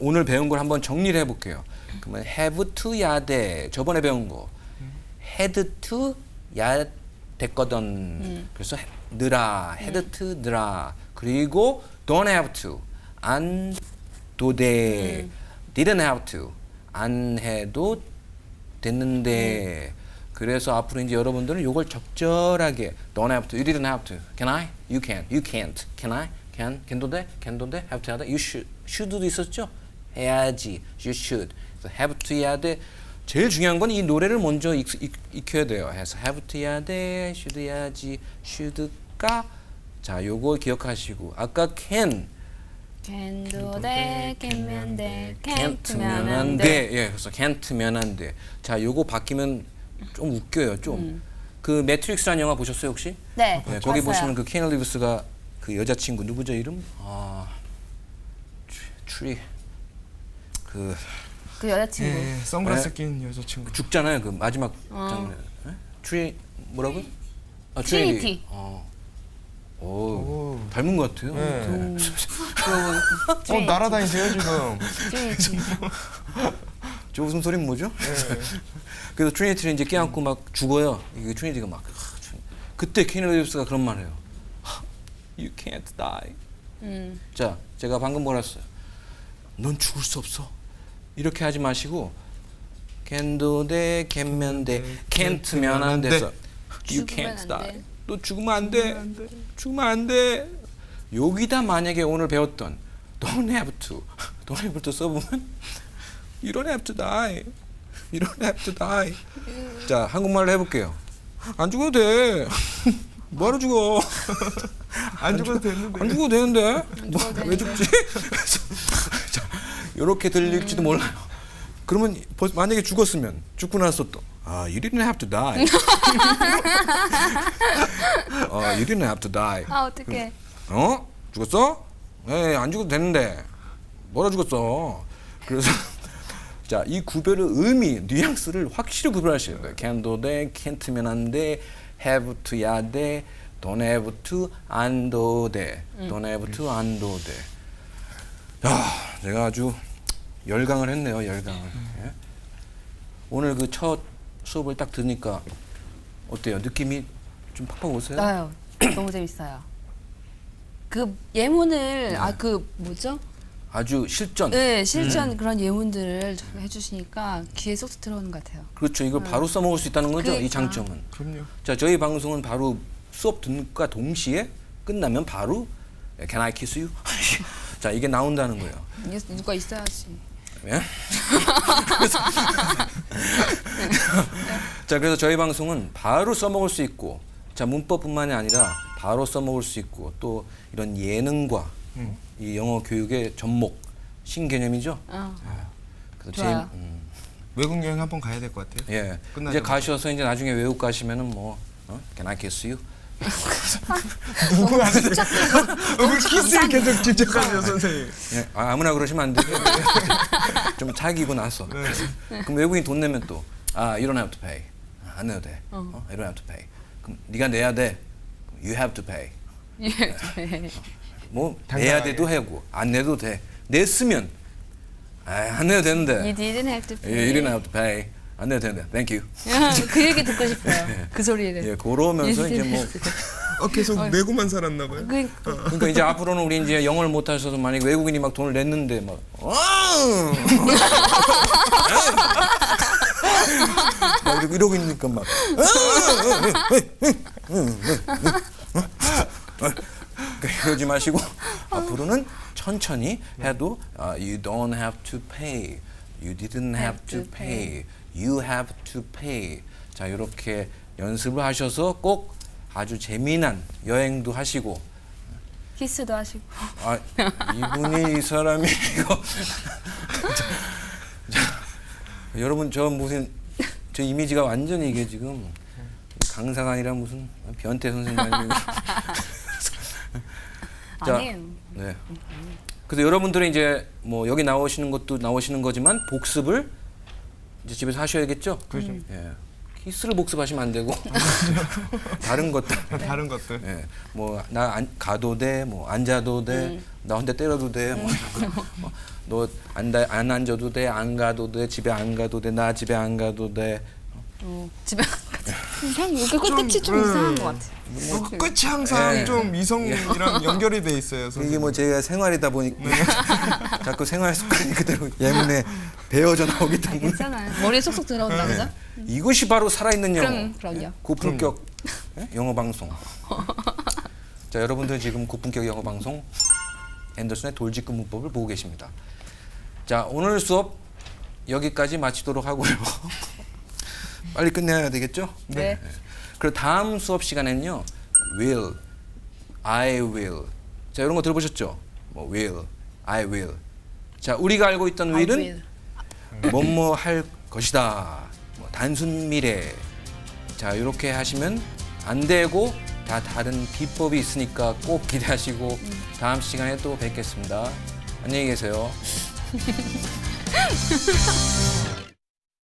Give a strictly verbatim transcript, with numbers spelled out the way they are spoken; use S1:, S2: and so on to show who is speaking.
S1: 오늘 배운 걸 한번 정리를 해볼게요. 그러면 have to야 돼. 저번에 배운 거 had to야 됐거든.
S2: 음.
S1: 그래서 느라, had to 느라. 그리고 don't have to 안 도 돼.
S2: 음.
S1: didn't have to 안 해도 됐는데. 그래서 앞으로 이제 여러분들은 이걸 적절하게 don't have to, you didn't have to, can I, you can, you can't, can I, can, can도 돼, can도 돼, have to 해야 돼, you should, should도 있었죠? 해야지, you should. 그래서 have to 해야 돼. 제일 중요한 건 이 노래를 먼저 익, 익, 익혀야 돼요. 해서 have to 해야 돼, should 해야지, should가. 자, 요거 기억하시고 아까 can
S2: can도 돼, can면 돼,
S1: can't면
S2: can't면
S1: 안
S2: 안
S1: 돼.
S2: 돼.
S1: 예, 그래서 can't면 안 돼. 자, 요거 바뀌면 좀 웃겨요, 좀. 그 매트릭스라는 영화 보셨어요, 혹시?
S2: 네,
S1: 네, 거기
S2: 봤어요.
S1: 보시면 그 케이너 리브스가 그 여자친구 누구죠, 이름? 아, 추리 그
S2: 그 여자친구.
S3: 예, 선글라스
S1: 네.
S3: 낀 여자친구.
S1: 죽잖아요, 그 마지막
S2: 어.
S1: 장면. 네? 추리 뭐라고? 아,
S2: 트리니티.
S1: 어. 오,
S3: 오.
S1: 닮은 것 같아요.
S3: 네.
S2: 음.
S3: 어 날아다니세요 지금.
S2: 트리니티.
S1: 저 웃음소리는 뭐죠?
S3: 네.
S1: 그래서 트리니티를 이제 껴안고 막 죽어요. 이게 트리니티가 막 아, 주- 그때 케이너 리브스가 그런 말을 해요. You can't die.
S2: 음.
S1: 자, 제가 방금 뭐라 했어요? 넌 죽을 수 없어. 이렇게 하지 마시고 can도 돼, can면 돼, can't면 안 돼서 you
S2: 죽으면
S1: can't
S2: 안
S1: die.
S2: 돼.
S1: 너 죽으면 안 돼. 죽으면 안 돼. 여기다 만약에 오늘 배웠던 don't have to, don't have to 써보면 you don't have to die. You don't have to die. 자, 한국말로 해볼게요. 안 죽어도 돼. 뭐하러 죽어?
S3: 안 죽어도 됐는데.
S1: 안 죽어도 되는데? 뭐,
S2: 죽어도
S1: 왜
S2: 되는데.
S1: 죽지? 자, 이렇게 들릴지도 몰라요. 그러면 벌- 만약에 죽었으면 죽고 나서 또 아, you didn't have to die. 어, you didn't have to die.
S2: 아, 어떡해.
S1: 어? 죽었어? 에, 안 죽어도 되는데. 뭐라 죽었어? 그래서 자, 이 구별의 의미, 뉘앙스를 확실히 구별하셔야 돼요. can도 돼, can't면 안 돼, have to야 돼, don't have to, 안도 돼, don't have to, 안도 돼. 야, 제가 아주 열강을 했네요, 열강을. 예? 오늘 그 첫 수업을 딱 들으니까 어때요? 느낌이 좀 팍팍 오세요?
S2: 나요. 너무 재밌어요. 그 예문을 아 그 뭐죠?
S1: 아주 실전.
S2: 네, 실전 그런 예문들을 해주시니까 귀에 쏙 들어오는 것 같아요.
S1: 그렇죠. 이걸 바로 써먹을 수 있다는 거죠, 이
S2: 그러니까.
S1: 장점은.
S3: 그럼요.
S1: 자, 저희 방송은 바로 수업 듣는과 동시에 끝나면 바로 Can I kiss you? 자, 이게 나온다는 거예요.
S2: 이게 누가 있어야지.
S1: 예? 그래서 자, 그래서 저희 방송은 바로 써먹을 수 있고, 자, 문법뿐만이 아니라 바로 써먹을 수 있고, 또 이런 예능과
S3: 음.
S1: 이 영어 교육의 접목, 신개념이죠.
S2: 어.
S1: 그래서
S2: 좋아요.
S1: 제일, 음,
S3: 외국 여행 한번 가야 될 것 같아요.
S1: 예.
S3: 끝나자마자.
S1: 이제 가셔서 이제 나중에 외국 가시면은 뭐 어? Can I kiss you?
S3: 누구한테? 왜 키스를 계속 집착하세요 선생님?
S1: 예, 아, 아무나 그러시면 안 되고 좀 자기고 나서 그래서 그럼 외국인 돈 내면 또 아, you don't have to pay. 아, 안 내도 돼. 어. you don't have to pay. 그럼 네가 내야 돼. you have to pay.
S2: 예.
S1: 뭐
S3: 당당하게.
S1: 내야 돼도 하고 안 내도 돼. 냈으면 아, 안 내도 되는데.
S2: You didn't have to pay.
S1: you didn't have to pay. 안 내도 되는데. Thank you.
S2: 그 얘기 듣고 싶어요. 그 소리를.
S1: 예, 그러면서 이제 뭐
S3: 어 계속 내고만 살았나 봐요.
S2: 그,
S1: 그러니까 이제 앞으로는 우리 이제 영어를 못 하셔서 만약 외국인이 막 돈을 냈는데 막 어! 막 이러고, 이러고 있으니까 막 그러지 마시고 앞으로는 천천히 해도 아, you don't have to pay, you didn't have to pay, you have to pay. 자, 이렇게 연습을 하셔서 꼭 아주 재미난 여행도 하시고.
S2: 키스도 하시고.
S1: 아, 이분이 이 사람이 이거 자, 자, 여러분 저 무슨 저 이미지가 완전히 이게 지금 강사가 아니라 무슨 변태 선생님 아니고 자,
S2: 아니에요.
S1: 네. 그래서 여러분들은 이제 뭐 여기 나오시는 것도 나오시는 거지만 복습을 이제 집에서 하셔야겠죠.
S3: 그렇죠.
S1: 예. 키스를 복습하시면 안 되고 다른 것들.
S3: 다른 것들.
S1: 예, 뭐나 가도 돼, 뭐 앉아도 돼, 나 혼자 때려도 돼, 뭐, 너 안 안 앉아도 돼, 안 가도 돼, 집에 안 가도 돼, 나 집에 안 가도 돼.
S2: 어, 집에 이상 이게 끝이 좀
S3: 음.
S2: 이상한 것 같아.
S3: 뭐 끝이 항상
S1: 예.
S3: 좀 이성이랑 연결이 돼 있어요.
S1: 이게
S3: 선생님.
S1: 뭐 제가 생활이다 보니까 자꾸 생활 습관이 그대로 예문에 배어져 나오기 때문에
S2: 괜찮아요. 머리에 쏙쏙 들어온다 그죠?
S1: 이것이 바로 살아있는 영어.
S2: 그럼 그럼요.
S1: 고품격 예? 영어 방송. 자, 여러분들 지금 고품격 영어 방송 앤더슨의 돌직구 문법을 보고 계십니다. 자, 오늘 수업 여기까지 마치도록 하고요. 빨리 끝내야 되겠죠?
S2: 네.
S1: 그리고 다음 수업 시간에는요, will, I will. 자, 이런 거 들어보셨죠? 뭐 will, I will. 자, 우리가 알고 있던
S2: I
S1: will은 뭐뭐 할 것이다. 뭐 단순 미래. 자, 이렇게 하시면 안 되고 다 다른 비법이 있으니까 꼭 기대하시고 다음 시간에 또 뵙겠습니다. 안녕히 계세요.